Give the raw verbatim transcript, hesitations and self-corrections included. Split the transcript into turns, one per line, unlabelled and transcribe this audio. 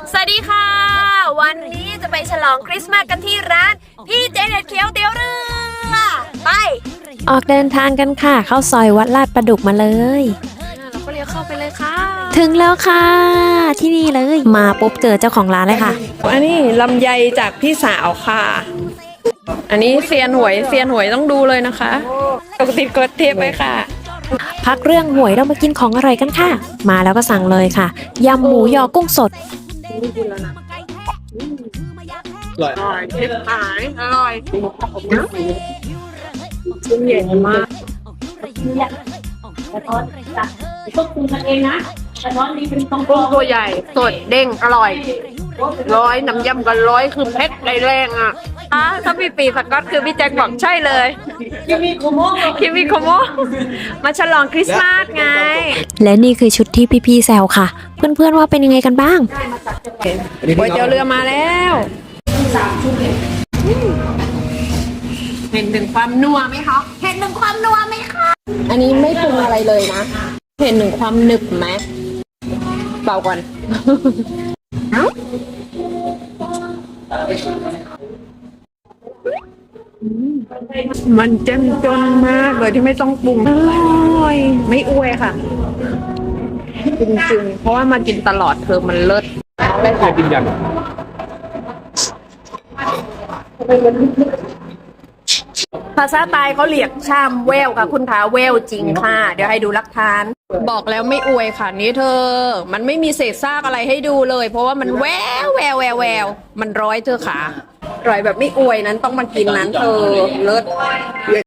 สวัสดีค่ะวันนี้จะไปฉลองคริสต์มาสกันที่ร้านพี่เจเน็ตเขียวเตี๋ยวเรือไป
ออกเดินทางกันค่ะเข้าซอยวัดลาดประดุกมาเลย
เราก็เลี้ยวเข้าไปเลยค่ะ
ถึงแล้วค่ะที่นี่เลยมาปุ๊บเจอเจ้าของร้านเลยค่ะ
อันนี้ลำไยจากพี่สาวค่ะอันนี้เซียนหวยเซียนหวยต้องดูเลยนะคะปกติกดเทปไปค่ะ
พักเรื่องหวยเรามากินของอร่อยกันค่ะมาแล้วก็สั่งเลยค่ะยำหมูยอกุ้งสด
อร่อยเทปหายอร่อยชิ้นใหญ่มาก
ควบคุมกันเองนะแต่ร้อนนี้เป็นต้อง
กุ้งตัวใหญ่สดเด้งอร่อยร้อยน้ำยำกันร้อยคือเผ็ดได้แรงอ่ะอ่ะถ้าพี่ปีสก๊อตคือพี่แจ็คบอกใช่เลย
คิมิโคโมะ
คิมิโคโมะมาฉลองคริสต์มาสไง
และนี่คือชุดที่พี่ๆแซวค่ะเพื่อนๆว่าเป็นยังไงกันบ้าง
ก๋วยเตี๋ยวเรือมาแล้วเห็นถึงความนัวไหมคะเห็นถึงความนัวไหมคะอันนี้ไม่ปรุงอะไรเลยนะเห็นถึงความหนึบไหมเป่าก่อนมันเจ้มจนมากเลยที่ไม่ต้องปรุงอร่อยไม่อวยค่ะจริงๆเพราะว่ามากินตลอดเธอมันเลิศได้ค่ะกินยันภาษาใต้เขาเรียกชามแววค่ะคุณขาแววจริงค่ะเดี๋ยวให้ดูหลักฐานบอกแล้วไม่อวยค่ะนี่เธอมันไม่มีเศษซากอะไรให้ดูเลยเพราะว่ามันแววแววแววแววมันร้อยเธอขาอร่อยแบบไม่อวยนั้นต้องมากินนั้นเธอเลิศ